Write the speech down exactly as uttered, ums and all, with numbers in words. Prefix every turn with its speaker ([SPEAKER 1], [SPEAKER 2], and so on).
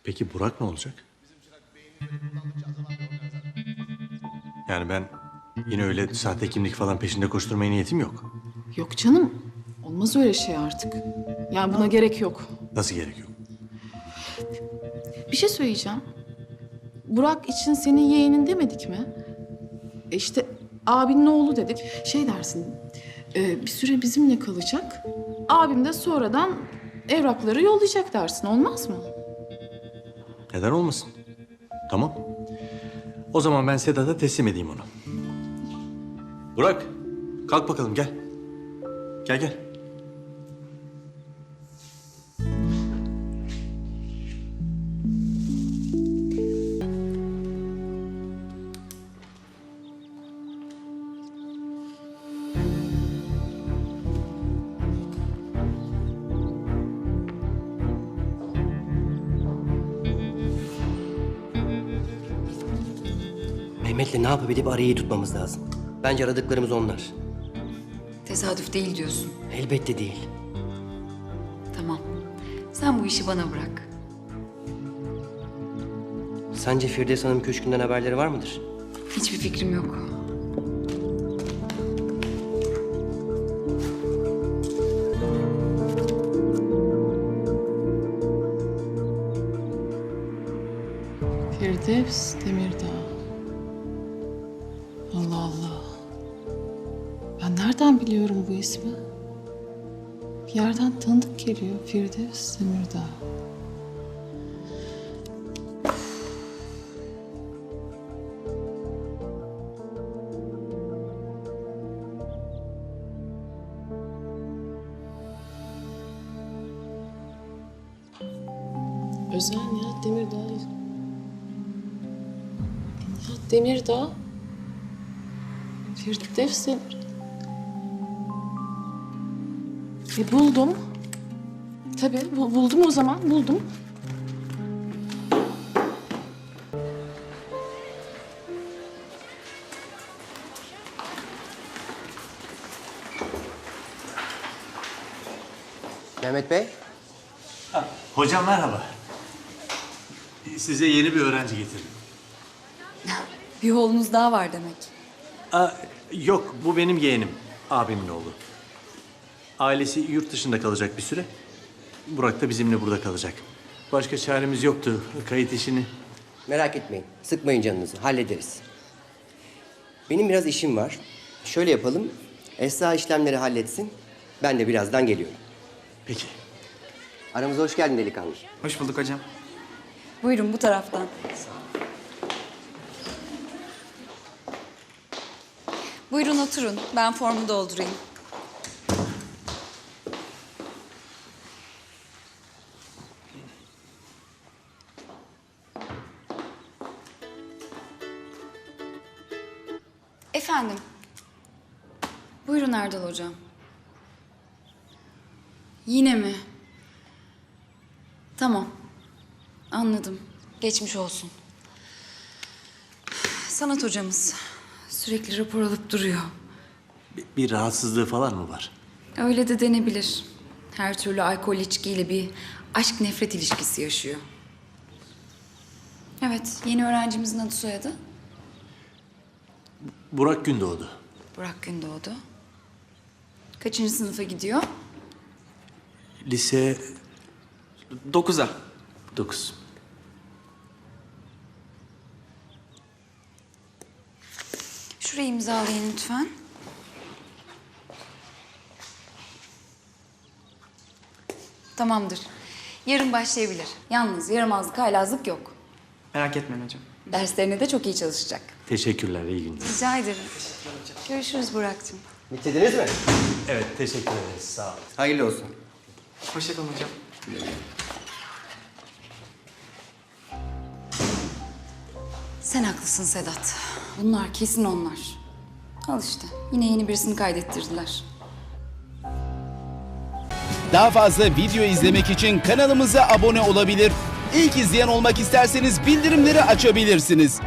[SPEAKER 1] Peki Burak ne olacak? Yani ben yine öyle sahte kimlik falan peşinde koşturmaya niyetim yok.
[SPEAKER 2] Yok canım. Olmaz öyle şey artık. Yani buna gerek yok.
[SPEAKER 1] Nasıl gerek yok?
[SPEAKER 2] Bir şey söyleyeceğim. Burak için senin yeğenin demedik mi? E işte abinin oğlu dedik. Şey dersin, e, bir süre bizimle kalacak. Abim de sonradan evrakları yollayacak dersin. Olmaz mı?
[SPEAKER 1] Neden olmasın? Tamam. O zaman ben Sedat'a teslim edeyim onu. Burak, kalk bakalım gel. Gel gel.
[SPEAKER 3] Mehmet'le ne yapabilip arayı tutmamız lazım. Bence aradıklarımız onlar.
[SPEAKER 4] Tesadüf değil diyorsun.
[SPEAKER 3] Elbette değil.
[SPEAKER 4] Tamam. Sen bu işi bana bırak.
[SPEAKER 3] Sence Firdevs Hanım köşkünden haberleri var mıdır?
[SPEAKER 4] Hiçbir fikrim yok.
[SPEAKER 2] Firdevs Demirdağ. Allah Allah. Ben nereden biliyorum bu ismi? Bir yerden tanıdık geliyor. Firdevs Demirdağ. Özel Nihat Demirdağ. Nihat Demirdağ. Firdevs Demirdağ. E buldum. Tabii bu- buldum o zaman, buldum.
[SPEAKER 3] Mehmet Bey,
[SPEAKER 1] Hocam merhaba. Size yeni bir öğrenci getirdim.
[SPEAKER 4] Bir oğlunuz daha var demek.
[SPEAKER 1] Aa, yok, bu benim yeğenim. Abimin oğlu. Ailesi yurt dışında kalacak bir süre. Burak da bizimle burada kalacak. Başka çaremiz yoktu. Kayıt işini.
[SPEAKER 3] merak etmeyin. Sıkmayın canınızı. Hallederiz. Benim biraz işim var. Şöyle yapalım. Esra işlemleri halletsin. Ben de birazdan geliyorum.
[SPEAKER 1] Peki.
[SPEAKER 3] Aramıza hoş geldin delikanlı.
[SPEAKER 5] Hoş bulduk hocam.
[SPEAKER 4] Buyurun bu taraftan. Buyurun oturun. Ben formu doldurayım. Efendim. Buyurun Erdal hocam. Yine mi? Tamam. Anladım. Geçmiş olsun. Sanat hocamız sürekli rapor alıp duruyor.
[SPEAKER 1] Bir, bir rahatsızlığı falan mı var?
[SPEAKER 4] Öyle de denebilir. Her türlü alkol içkiyle bir aşk nefret ilişkisi yaşıyor. Evet, yeni öğrencimizin adı soyadı
[SPEAKER 1] Burak Gündoğdu.
[SPEAKER 4] Burak Gündoğdu. Kaçıncı sınıfa gidiyor?
[SPEAKER 1] Lise
[SPEAKER 5] Dokuza.
[SPEAKER 1] dokuz.
[SPEAKER 4] Şurayı imzalayın lütfen. Tamamdır. Yarın başlayabilir. Yalnız yaramazlık, haylazlık yok.
[SPEAKER 5] Merak etmeyin hocam.
[SPEAKER 4] Derslerine de çok iyi çalışacak.
[SPEAKER 1] Teşekkürler, iyi günler.
[SPEAKER 4] Rica ederim. Görüşürüz Burak'cığım.
[SPEAKER 3] Bitirdiniz mi?
[SPEAKER 1] Evet, teşekkür ederiz. Sağ olun.
[SPEAKER 3] Hayırlı olsun.
[SPEAKER 5] Hoşçakalın hocam.
[SPEAKER 4] Sen haklısın Sedat. Bunlar kesin onlar. Al işte. Yine yeni birisini kaydettirdiler.
[SPEAKER 6] Daha fazla video izlemek için kanalımıza abone olabilir. İlk izleyen olmak isterseniz bildirimleri açabilirsiniz.